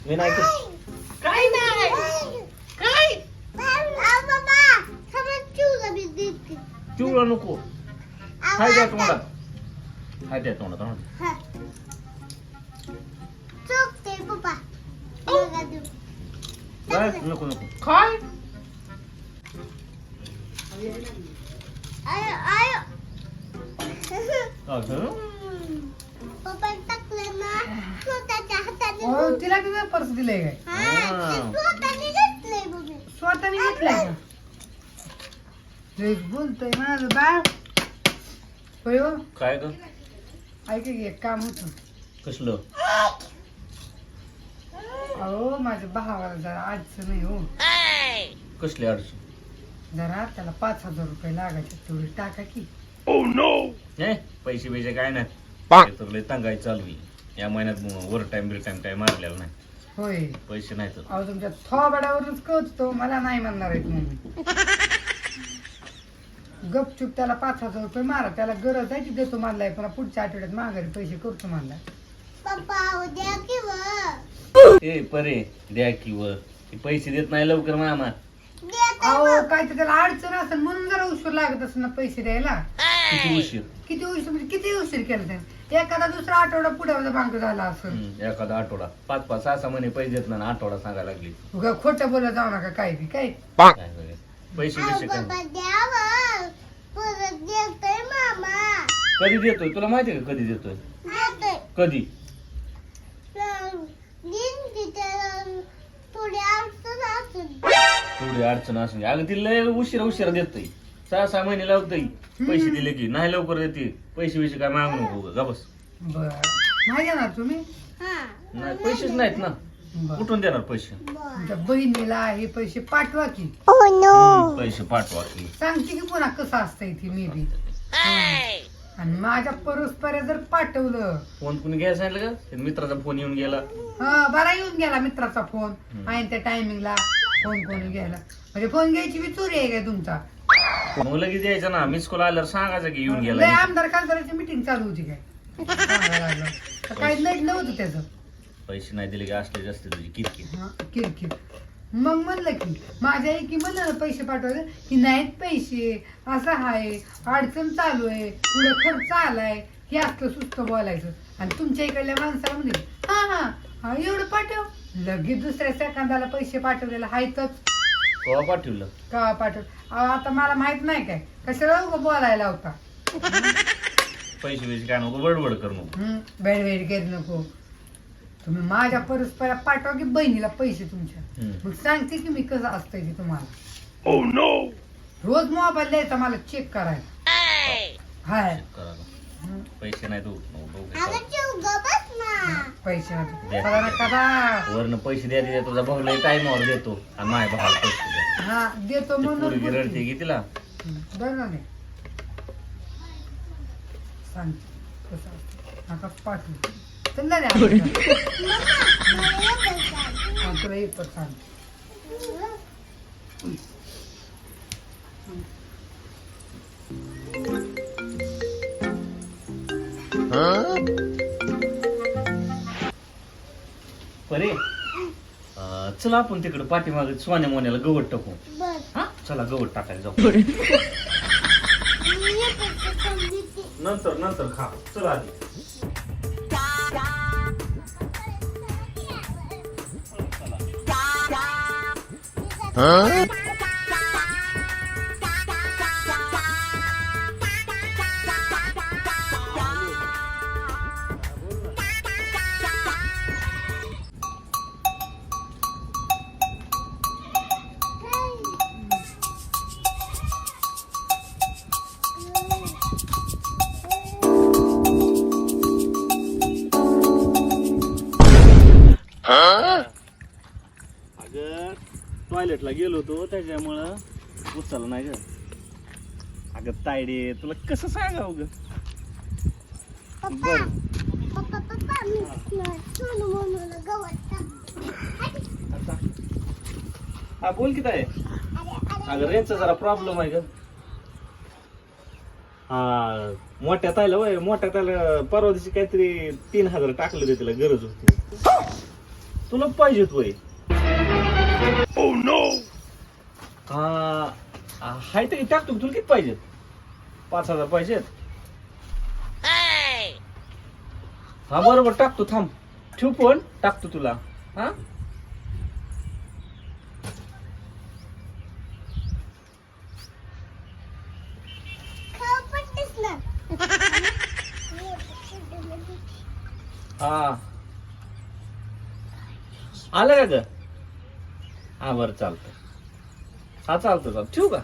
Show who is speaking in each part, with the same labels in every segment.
Speaker 1: मी नाही
Speaker 2: काय नाही काय
Speaker 1: चिवळा नको हाय द्या तोंडात हाय द्या तोंडात काय नको नको
Speaker 2: काय
Speaker 1: अगं
Speaker 2: तिला किती पर्स दिलंय काय स्वतःने घेतलाय का तेच बोलतोय माझं बाळ होय हो.
Speaker 1: काय ग
Speaker 2: ऐक की एक काम होतं
Speaker 1: कसलं
Speaker 2: अहो माझ्या भावाला जरा अडचण नाही हो
Speaker 1: कसली अडचण
Speaker 2: जरा त्याला 5,000 रुपये लागायचे तेवढे टाका की
Speaker 1: हे पैसे बिसे काय नाही तर लय तंगाई चालू आहे. या महिन्यात ओव्हर टाइम बिल टाइम काय मारलेला नाही
Speaker 2: होय
Speaker 1: पैसे नाही तर
Speaker 2: अहो तुमच्या थोबाडावरूनच कळतो मला नाही म्हणणार आहे म्हणून गपचूप त्याला 5,000 रुपये मारा त्याला गरज आहे ती देतो मानलाय पण पुढच्या आठवड्यात माघारी पैसे करतो मानलाय
Speaker 1: ए परे द्या की वर पैसे देत नाही लवकर मामा
Speaker 2: अहो काय तर त्याला अडचण असेल म्हणून जरा उशीर लागत असेल ना पैसे द्यायला
Speaker 1: किती उशीर
Speaker 2: किती उशीर म्हणजे किती उशीर केला त्याने एखादा दुसरा आठवडा पुढे भांग झाला असेल
Speaker 1: एखादा आठवडा 5-5 6 महिने पैसे देत नाही आठवडा सांगायला लागली
Speaker 2: उगा खोटं बोलत जाऊ नका काय बी काय
Speaker 1: काय बघा. पैसे बिसे काय कधी देतोय तुला माहिती का कधी देतोय कधी थोडी अडचण असून अगं ती लय उशिरा देतोय 6 महिने लावतोय पैसे दिले की नाही लवकर देते पैसे काय मागू नको गा बस
Speaker 2: बर नाही घेणार तुम्ही
Speaker 1: नाही पैसेच नाहीत ना
Speaker 2: बर
Speaker 1: कुठून देणार पैसे
Speaker 2: तुमच्या बहिणीला हे पैसे पाठवा की
Speaker 1: पैसे पाठवा की
Speaker 2: सांगते की पुन्हा कसं असतंय ती मे बी आणि माझ्या परस्पर जर पाठवलं
Speaker 1: फोन कुणी घ्यायला सांगितलं का ते मित्राचा फोन येऊन गेला
Speaker 2: हा बरा येऊन गेला मित्राचा फोन आहे त्या टायमिंगला फोन कोणी घ्यायला म्हणजे फोन घ्यायची बी चोरी आहे काय तुमचा
Speaker 1: मग लगेच द्यायचं ना मिस कॉल आल्यावर सांगायचं की येऊन
Speaker 2: लय
Speaker 1: गेला
Speaker 2: आमदार खासदाराची मीटिंग चालू होती काय सांगायला लागलं. तर काही नडलं होतं त्याचं
Speaker 1: पैसे नाही दिले की असले जास्त तुझी किरकिर
Speaker 2: हा, किरकिर मग म्हणलं की माझ्या एकी म्हणलं ना पैसे पाठवायचे की नाहीत पैसे असं आहे अडचण चालू आहे पुढे खर्च आलाय हे असलं सुस्त बोलायचं आणि तुमच्या इकडल्या माणसाला म्हणजे हा हा हा एवढं पाठव लगेच दुसऱ्या सेकंदाला पैसे पाठवलेलं आहेतच
Speaker 1: केव्हा पाठवलं
Speaker 2: का पाठव अहो, आता मला माहित नाही काय कशाला उगाच बोलायला होता
Speaker 1: पैसे काय नको बडबड कर नको
Speaker 2: बेड घेत नको तुम्ही माझ्या परस्परा पाठवा की बहिणीला पैसे तुमच्या मग सांगते की मी कसं असतंय ते तुम्हाला रोज मोबाईल द्यायचा मला चेक करायला हाय
Speaker 1: करायला पैसे नाही तू
Speaker 2: पैसे कदा कदा
Speaker 1: वरनं पैसे द्या तुझा भाऊ लय टाइमावर देतो आणि माझ्या भावाला पैसे द्या
Speaker 2: हा देतो म्हणून
Speaker 1: पोरगी
Speaker 2: बोलते.
Speaker 1: रडते की तिला
Speaker 2: बरं ना नाही सांग कसं असतं आता पाठवू चल रे तुला येतो सांग
Speaker 1: परे चला आपण तिकडे पाठीमागे सोन्या मोन्याला गवत टाकू हा चला गवत टाकायला जाऊ नंतर नंतर खा चला आधी अगं टॉयलेटला गेलो होतो त्याच्यामुळं उचललं नाही ग अगं तायडे तुला कसं सांगावं ग बर हा बोल की ताय अगं रेंजचा जरा प्रॉब्लेम आहे ग हा मोठ्या तायला परवा दिवशी काहीतरी 3,000 टाकलं ते तिला गरज होती तुला पाहिजे होय? हाय तरी टाकतो. तुला किती पाहिजेत? 5,000 पाहिजेत. हा बरोबर टाकतो. थांब, ठेव फोन, टाकतो तुला. हा हा आलं का ग? हा बरं चालतं. हा चालतं. ठेवू का?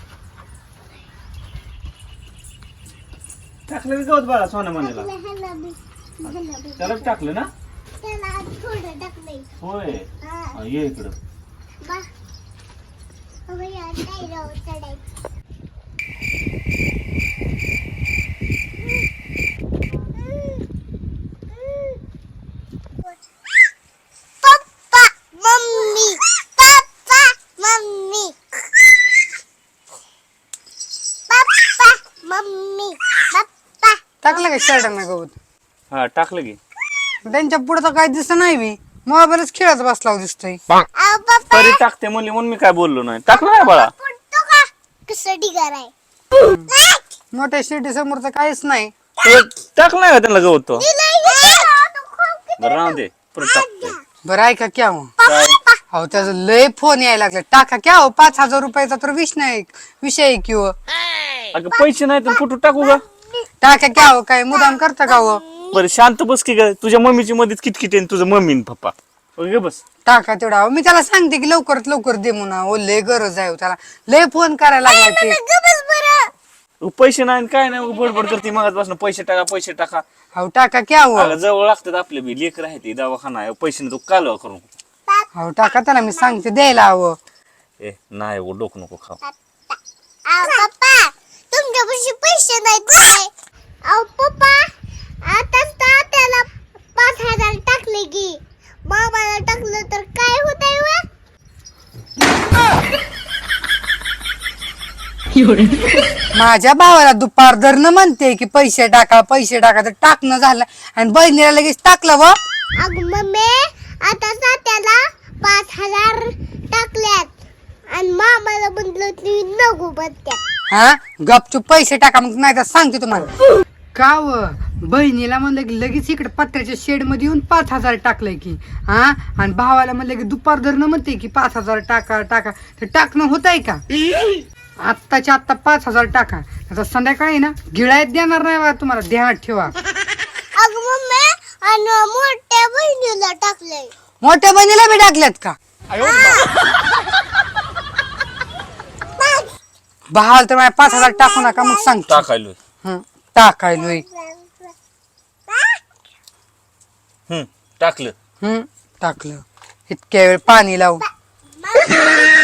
Speaker 1: टाकलं की गवत बाळा सोन्या म्हणाला. त्यालाच टाकलं ना? होय. ये इकडं.
Speaker 2: टाकलं का शर्टांना गवत?
Speaker 1: हा टाकलं की.
Speaker 2: त्यांच्या पुढे तर काय दिसत नाही. मी मोबाईलच खेळत बसला दिसतोय.
Speaker 1: तरी टाकते म्हणली म्हणून मी काय बोललो नाही. टाकलं नाही बाळा.
Speaker 2: मोठ्या शिर्डी समोर तर काहीच नाही.
Speaker 1: टाकलं नाही का त्यांना गवत तो? बरं राहू दे, परत टाकते.
Speaker 2: बरं ऐका क्या हो,
Speaker 1: काय?
Speaker 2: अहो त्याचा लय फोन यायला लागला. टाका क्या हो, 5,000 रुपयाचा तर विषय आहे की हो.
Speaker 1: अगं पैसे नाही तर कुठं टाकू ग?
Speaker 2: टाका क्या हो, काय मुदाम करता का हो?
Speaker 1: बरं शांत बस की ग. तुझ्या मम्मीची मध्येच किटकिट आहे तुझं मम्मी न पप्पा. ओके बस.
Speaker 2: टाका तेवढा. अहो, मी त्याला सांगते की लवकरात लवकर दे म्हणा. ओ लय गरज आहे हो त्याला. लय फोन करायला लागला ते.
Speaker 1: पैसे नाही न काय नाही बडबड करते मगाच पैसे टाका.
Speaker 2: अहो टाका क्या हो.
Speaker 1: अगं जवळ लागतात आपले बी लेकर आहे ते दवाखाना आहे. पैसे नाही तू कालवा करू.
Speaker 2: अहो टाका त्याला मी सांगते द्यायला हवं.
Speaker 1: ए नाही हो, डोकं नको खाऊ.
Speaker 3: पप्पा तुमच्यापाशी पैसे नाहीत काय? अहो पप्पा आताच तर त्याला 5,000 टाकले की मामाला टाकलं तर काय होतंय व?
Speaker 2: माझ्या भावाला दुपार धरणं म्हणते की पैसे टाका तर टाकणं झालं आणि बहिणीला लगेच टाकलं व.
Speaker 3: अगं मम्मी आता त्याला 5,000 टाकल्यात आणि मामाला म्हणलं तुम्ही नको बत्या.
Speaker 2: हा गपचूप पैसे टाका. मग नाही तर सांगते तुम्हाला का व. बहिणीला म्हणलं की लगेच इकडे पत्र्याच्या शेड मध्ये येऊन 5,000 टाकलंय की. हा आणि भावाला म्हणलं की दुपार धरणं म्हणते की 5,000 टाका. तर टाकणं होत आहे का? आत्ताच्या आत्ता 5,000 टाका. आता संध्याकाळी ना गिळायत देणार नाही बा तुम्हाला, ध्यानात ठेवा.
Speaker 3: अगं मम्मी आणि मोठ्या बहिणीला टाकलंय.
Speaker 2: मोठ्या बहिणीला बी टाकल्यात का? भावाला तर माझ्या 5,000 टाकू नका मग सांगतो.
Speaker 1: टाकायलोय.
Speaker 2: टाकायलोय.
Speaker 1: टाकलं.
Speaker 2: टाकलं. इतक्या वेळ पाणी लावू.